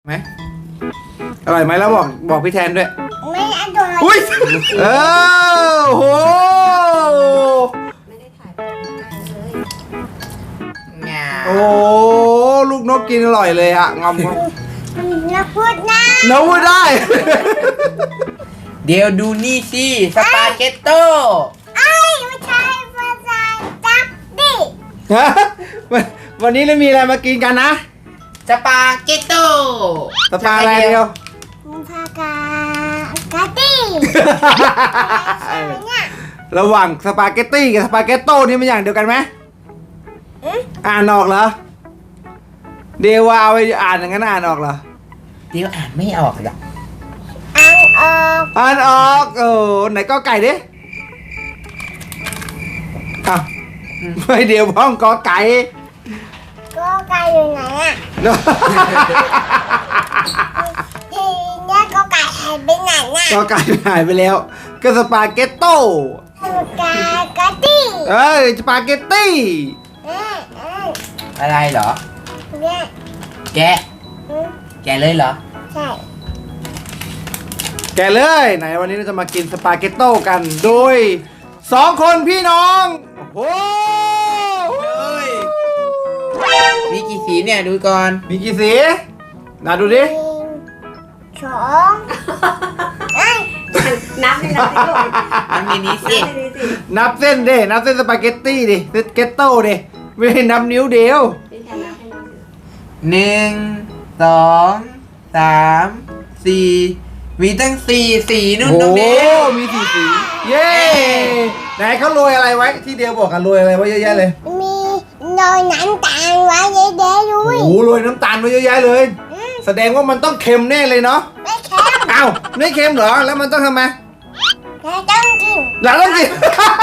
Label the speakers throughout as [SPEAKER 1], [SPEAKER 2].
[SPEAKER 1] ไหมอร่อยไหมแล้วบอกพี่แทนด้วย
[SPEAKER 2] ไม่อร่อย
[SPEAKER 1] อุ้ยโห
[SPEAKER 2] ไม่ได้ถ่ายเลย
[SPEAKER 1] โอ้ลูกนกกินอร่อยเลยอะงอม
[SPEAKER 2] นักพูดนะ
[SPEAKER 1] นกพูดได้
[SPEAKER 3] เดี๋ยวดูนี่สิสปาเกตโต้
[SPEAKER 2] ไอ้ไม่ใช่ภาษาจับดิ
[SPEAKER 1] ฮะวันนี้เรามีอะไรมากินกันนะ
[SPEAKER 3] สปาเกตโต้
[SPEAKER 1] สปาอะไรเดียว
[SPEAKER 2] ภากาตี้
[SPEAKER 1] ระหว่างสปาเกตตี้กับสปาเกตโต้นี่มันอย่างเดียวกันไหมอ่านออกเหรอเดวเอาไปอ่านอย่างนั้นอ่านออกเหรอ
[SPEAKER 3] เดี๋ยวอ่านไม่ออกหรอก
[SPEAKER 2] อ่านออก
[SPEAKER 1] ไหนก็ไก่ดิอ้าวไม่เดี๋ยวพ้องกอไก่
[SPEAKER 2] ก็ไก่อยู่ไหนอ่ะทีนี้ก็ไก่หายไปไหนน่ะ
[SPEAKER 1] ก็ไก่หายไปแล้วก็สปาเกตโต้
[SPEAKER 2] สปากาตี้
[SPEAKER 1] สปาเกตตี้
[SPEAKER 3] อะไรเหรอ
[SPEAKER 2] เนี่ย
[SPEAKER 3] แกะเลยเหรอ
[SPEAKER 2] ใช่
[SPEAKER 1] แกะเลยไหนวันนี้เราจะมากินสปาเกตโต้กันโดย2 คนพี่น้องโอ้
[SPEAKER 3] มีกี่สีเนี่ยดูก่อน
[SPEAKER 1] มีกี่สีน่าดูดิ
[SPEAKER 2] นับเลยนะลูก
[SPEAKER 3] มันมีนี้สิ
[SPEAKER 1] นับเส้นดินับเส้นสปาเกตตี้ดิสเกตโต้ดิไม่ได้นับนิ้วเดียว
[SPEAKER 3] 1 2 3 4มีตั้ง4 สีนู่นตรงนี้
[SPEAKER 1] มี4 สีเย้ไหนเขาโรยอะไรไว้ที่เดียวบอกกันโรยอะไรไว้เยอะแยะเลย
[SPEAKER 2] มีโรยน้ำตาลไว้เยอะๆด้วย
[SPEAKER 1] โอ้โหโรยน้ำตาลไว้เยอะแยะเลยแสดงว่ามันต้องเค็มแน่เลยเนาะ
[SPEAKER 2] ไม่เค็ม
[SPEAKER 1] อ้าวไม่เค็มเหรอแล้วมันต้องทำไม
[SPEAKER 2] เราต้องกิน
[SPEAKER 1] เราต้องกิน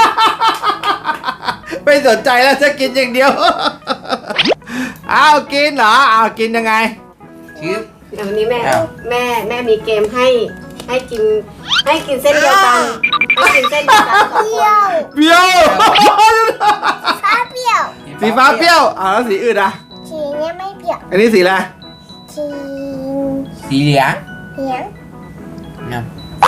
[SPEAKER 1] ไม่สนใจแล้วจะกินอย่างเดียว อ้าวกินเหรออ้าวกินยังไง
[SPEAKER 3] ชื่อ
[SPEAKER 4] เดี๋ยววันนี้แม่มีเกมให้กินเส้นเดียวกันให้กินเส้นเดียวกัน2 คน
[SPEAKER 1] เปรี้ยว
[SPEAKER 2] ฟ้าเปรี้ยว
[SPEAKER 1] สีฟ้าเปรี้ยวแล้วสีอื่นอ่ะ
[SPEAKER 2] สีนี้ไม่เปรี้ยว
[SPEAKER 1] อันนี้สีอะไร
[SPEAKER 3] สีเหลือง
[SPEAKER 2] น้ำ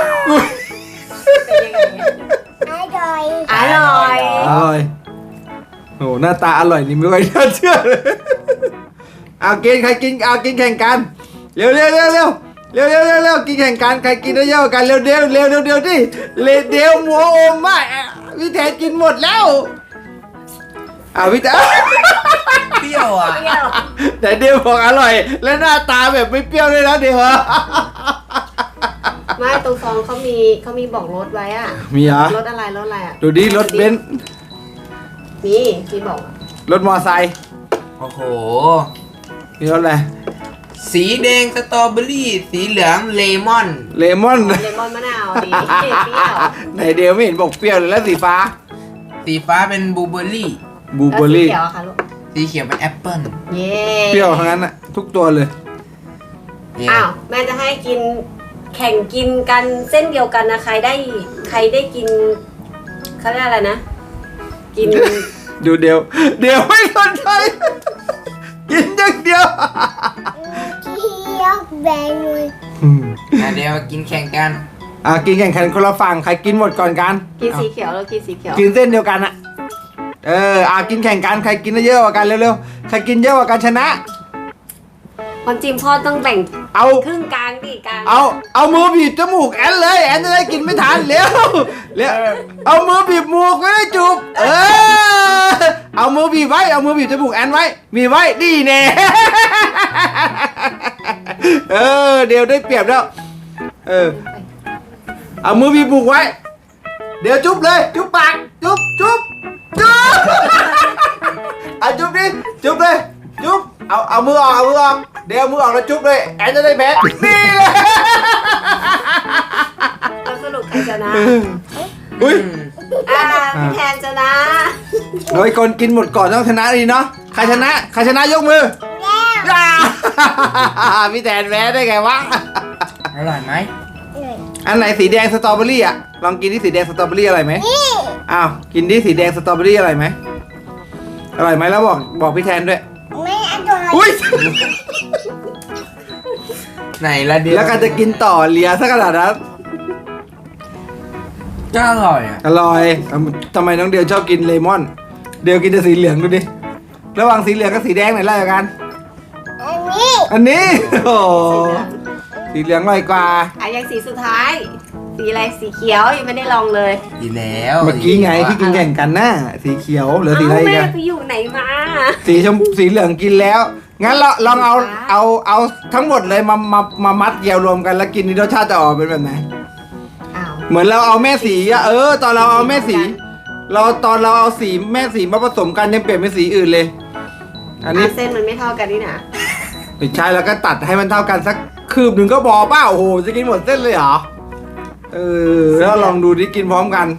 [SPEAKER 2] อร่อย
[SPEAKER 1] โอ้หน้าตาอร่อยนี่ไม่ค่อยน่าเชื่อเลยเอากินใครกินเอากินแข่งกันเร็วกินแข่งกันใครกินได้เยอะกันเร็วดิเร็วมัวโอมมากพี่แทนกินหมดแล้วพี่แทน
[SPEAKER 3] เปรี้ยวอ่ะ
[SPEAKER 1] แต่เดียวบอกอร่อยและหน้าตาแบบไม่เปรี้ยวเลยนะเดียว
[SPEAKER 4] ไม่ตรงซองเขามีบอกรถไว้อ่ะ
[SPEAKER 1] มีเหรอ
[SPEAKER 4] รถอะไรอ่ะ
[SPEAKER 1] ดูดิรถเบนซ์
[SPEAKER 4] นี่ที่บอก
[SPEAKER 1] รถมอไซค์
[SPEAKER 3] โอ้โห
[SPEAKER 1] มีรถอะไร
[SPEAKER 3] สีแดงสตรอเบอรี่สีเหลืองเลมอน
[SPEAKER 4] มะนาวดีเปรี้ยว
[SPEAKER 1] ไหนเดียวไม่เห็นบอกเปรี้ยวเลยแล้วสีฟ้า
[SPEAKER 3] เป็นบลูเบอร์รี่
[SPEAKER 4] สีเขียวค่ะลูก
[SPEAKER 3] สีเขียวเป็นแอปเปิ้ล
[SPEAKER 4] เย้
[SPEAKER 1] เปรี้ยวทั้งนั้นอะทุกตัวเลย
[SPEAKER 4] อ้าวแม่จะให้กินแข่งกินกันเส้นเดียวกันนะใครได้กินเขาเรียกอะไรนะกิน
[SPEAKER 1] ดูเดียวไม่สนใจกินอย่างเดียว
[SPEAKER 2] เคี้ยวแบงเลย
[SPEAKER 3] เดี๋ยวกินแข่งกัน
[SPEAKER 1] กินแข่งขันคนละฝั่งใครกินหมดก่อนกัน
[SPEAKER 4] กินสีเขียวแล้วกินสีเขียว
[SPEAKER 1] กินเส้นเดียวกันอะกินแข่งกันใครกินได้เยอะกว่ากันเร็วๆใครกินเยอะกว่ากันชนะ
[SPEAKER 4] ความจริงพ่อต้องแบ่ง
[SPEAKER 1] เอา
[SPEAKER 4] ครึ่งกลางดิกลาง
[SPEAKER 1] เอามือบีบจมูกแอนเลยแอนจะได้กินไม่ทันเร็วเอามือบีบมูกไม่ได้จูบเอามือบีบไว้เอามือบีบจมูกแอนไว้มีไว้ดีแน่ เดี๋ยวได้เปรียบแล้วเอามือบีบมูกไว้เดี๋ยวจุ๊บเลยจุ๊บปากจุ๊บจุ๊บจุ๊บดิจุ๊บเลยจุ๊บเอามือออกเดี๋ยวมือออกแล้วจุ๊บเลยแอนจะได้แพ้นี่เลย
[SPEAKER 4] แล้วสรุปใครชนะ
[SPEAKER 1] อุ้ย
[SPEAKER 4] พี่แทนชนะ
[SPEAKER 1] โดยคนกินหมดก่อนต้องชนะดีเนาะใครชนะยกมือพี่แทนแพ้ได้ไงวะ
[SPEAKER 3] อร่อยไหม
[SPEAKER 1] อันไหนสีแดงสตรอเบอรี่อ่ะลองกินที่สีแดงสตรอเบอรี่อร่อยไหมกินที่สีแดงสตรอเบอรี่อร่อยไหมแล้วบอกพี่แทนด้วย
[SPEAKER 2] ไม่อร่อย
[SPEAKER 1] อุ้ย
[SPEAKER 3] ไหนละเดียว
[SPEAKER 1] แล้วก็จะกินต่อเลียซะขนาดนั้น
[SPEAKER 3] ก็อร่อยอ่ะ
[SPEAKER 1] อร่อยทำไมน้องเดียวชอบกินเลมอน เดียวกินแต่สีเหลืองดูดิ ระหว่างสีเหลืองกับสีแดงไหนไล่กัน
[SPEAKER 2] อันนี้
[SPEAKER 1] อันนี้ โอ้โหสีเหลืองอร่อยกว่า
[SPEAKER 4] อ่ะยังสีสุดท้าย สีอะไรสีเขียวยังไม่ได้ลองเลย
[SPEAKER 3] ดีแล้ว
[SPEAKER 1] เมื่อกี้ไงที่กินแข่งกันน่ะสีเขียวเหลือสีอะไร
[SPEAKER 4] เอ้า
[SPEAKER 1] อี
[SPEAKER 4] แม่
[SPEAKER 1] กัน
[SPEAKER 4] ไปอยู่ไหนมา
[SPEAKER 1] สีเหลืองกินแล้ว งั้นเราลองเอาทั้งหมดเลยมามัดเยียวรวมกันแล้วกินนี่รสชาติจะออกเป็นแบบไหน
[SPEAKER 4] อ้าว
[SPEAKER 1] เหมือนเราเอาแม่สีอะตอนเราเอาแม่สี ตอนเราเอาสีแม่สีมาผสมกันยังเปลี่ยนเป็นสีอื่นเลย อันนี้
[SPEAKER 4] เส้นมันไม่เท่ากันนี่นะ
[SPEAKER 1] ไม่ใช่แล้วก็ตัดให้มันเท่ากันสักคืบหนึ่งก็พอเปล่าโอ้โหจะกินหมดเส้นเลยเหรอแล้วลองดูดิกินพร้อมกัน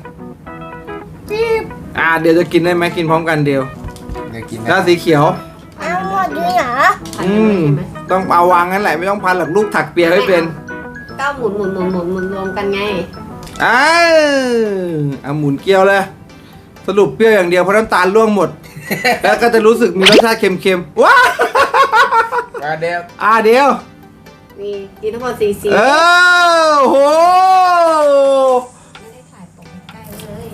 [SPEAKER 1] เดี๋ยวจะกินได้ไหมกินพร้อมกันเดียว
[SPEAKER 3] เดี๋ยวกิน
[SPEAKER 1] แล้วสีเขียว
[SPEAKER 2] เอาหมดด้วยเหรอ
[SPEAKER 4] พันกันเลยใช่ไหม
[SPEAKER 1] ต้องเอาวางงั้นแหละไม่ต้องพันหรอกลูกถักเปียให้เป็น
[SPEAKER 4] ก็หมุนรวมกันไง
[SPEAKER 1] เอาหมุนเกลียวเลย สรุปเปรี้ยวอย่างเดียวเพราะน้ำตาลร่วงหมด แล้วก็จะรู้สึกมีรสชาติเค็มๆว้า
[SPEAKER 3] เดี๋ยว
[SPEAKER 1] เดียว
[SPEAKER 4] นี่กินทั้งหมด4 สี
[SPEAKER 1] โห
[SPEAKER 4] ไม่ได้ถ่ายตรงใกล้เลย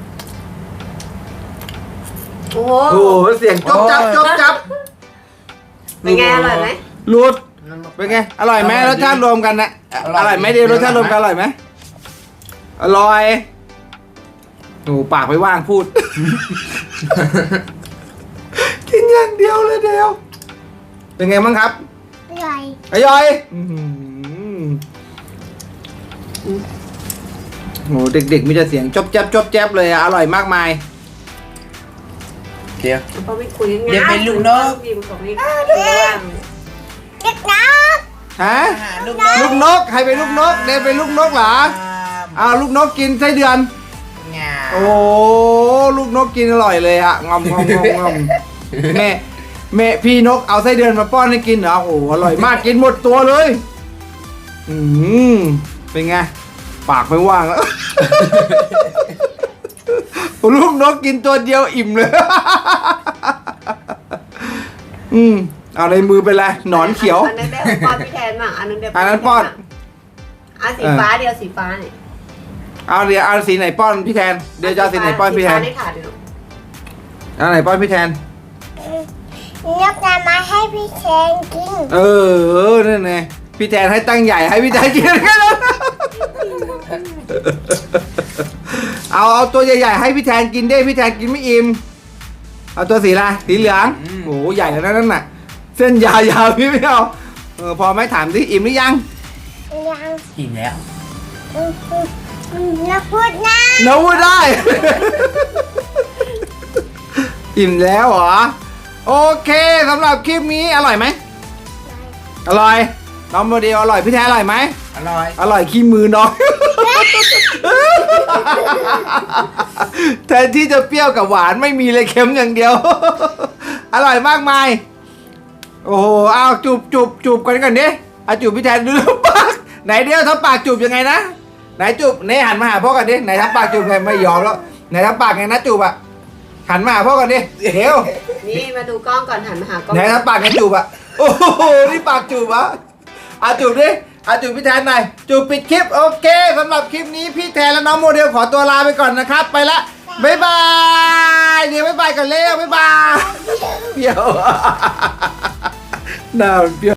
[SPEAKER 4] โอ้โห
[SPEAKER 1] โอ้โหเสียงจบจับ
[SPEAKER 4] เป็นไงอร่อยไหม
[SPEAKER 1] รูดเป็นไงอร่อยไหมรสชาติรวมกันนะอร่อยไหมเดียวรสชาติรวมกันอร่อยไหมอร่อยโอ้ปากไม่ว่างพูด กินอย่างเดียวเลยเดียว เป็นไงบ้างครับ
[SPEAKER 2] อร่อย
[SPEAKER 1] อร่อยโอ้เด็กๆมีแต่เสียงจบแจ๊บเลยอะอร่อยมากมาย
[SPEAKER 3] เดี๋ยว
[SPEAKER 4] เพราะไม่คุยง่าย
[SPEAKER 3] เดี๋ยวเป็นลูกนก
[SPEAKER 4] พิมพ์ของนี่ว่าง
[SPEAKER 2] เด็กน้
[SPEAKER 1] ฮะ
[SPEAKER 3] ลูก
[SPEAKER 1] ลูกนกใครเป็นลูกนกเดนเป็นลูกนกเหรอลูกนกกินไส้เดือน
[SPEAKER 3] งา
[SPEAKER 1] โอ้ลูกนกกินอร่อยเลยอะงอมแม่พี่นกเอาไส้เดือนมาป้อนให้กินเหรอโอ้อร่อยมากกินหมดตัวเลยเป็นไงปากไม่ว่างแล้ว ลูกนกกินตัวเดียวอิ่มเลย เอาในมือเป็นไรหนอนเขียว
[SPEAKER 4] อันนั้นได้ป้อนพี่แทนบ้างอันนั้นได้
[SPEAKER 1] อันนั้นป้อน
[SPEAKER 4] อ่ะสีฟ้าเดียวสีฟ้าเนี่ย
[SPEAKER 1] เดี๋ยวเอาสีไหนป้อนพี่แทนเดี๋ยวจะเอาสีไหนป้อนพี่แทน
[SPEAKER 4] สีฟ้าได้ถาดเดียว
[SPEAKER 1] เอาไหนป้อนพี่แทน
[SPEAKER 2] ำยกน้ำมาให้พี่เชนกิน
[SPEAKER 1] นั่นไงพี่แทนให้ตั้งใหญ่ให้พี่แทนกินแค่นั้น เอาตัวใหญ่ๆให้พี่แทนกินได้พี่แทนกินไม่อิ่มเอาตัวสีอะไรสีเหลืองโอ้โหใหญ่แล้วนั่นน่ะ เส้นยาวๆพี่ไม่เอาพอไหม่ถามสิอิ่มหรือยัง
[SPEAKER 2] ยัง
[SPEAKER 3] กินแล้ว
[SPEAKER 2] นักพูดนะ
[SPEAKER 1] น้องพูดได้ อิ่มแล้วเหรอโอเคสำหรับคลิปนี้อร่อยไหมอร่อยน้องโมเดลอร่อยพี่แทนอร่อยไหม
[SPEAKER 3] อร่อย
[SPEAKER 1] อร่อยขี้มือน้อย แทนที่จะเปรี้ยวกับหวานไม่มีเลยเค็มอย่างเดียว อร่อยมากมาย โอ้โหเอาจูบกันก่อนดิเอาจูบพี่แทนดูปากไหนเดียวทำปากจูบยังไงนะไหนจูบนี่หันมาหาพ่อกันดิไหนทำปากจูบไงไม่ยอมแล้วไหนทำปากไงนะจูบอะหันมาหาพ่อกันดิเดี๋ยว
[SPEAKER 4] นี่มาดูกล้องก่อนหันมาหากล้อง
[SPEAKER 1] ไหนทำปากไงจูบอะโอ้โหนี่ปากจูบอะจูบดิจูบพี่แทนหน่อยจูบปิดคลิปโอเคสำหรับคลิปนี้พี่แทนและน้องโมเดลขอตัวลาไปก่อนนะครับไปละบ๊ายบายเดี๋ยวบ๊ายบายก่อนเร็วบ๊ายบายเปรี้ยว น่าเปรี้ยว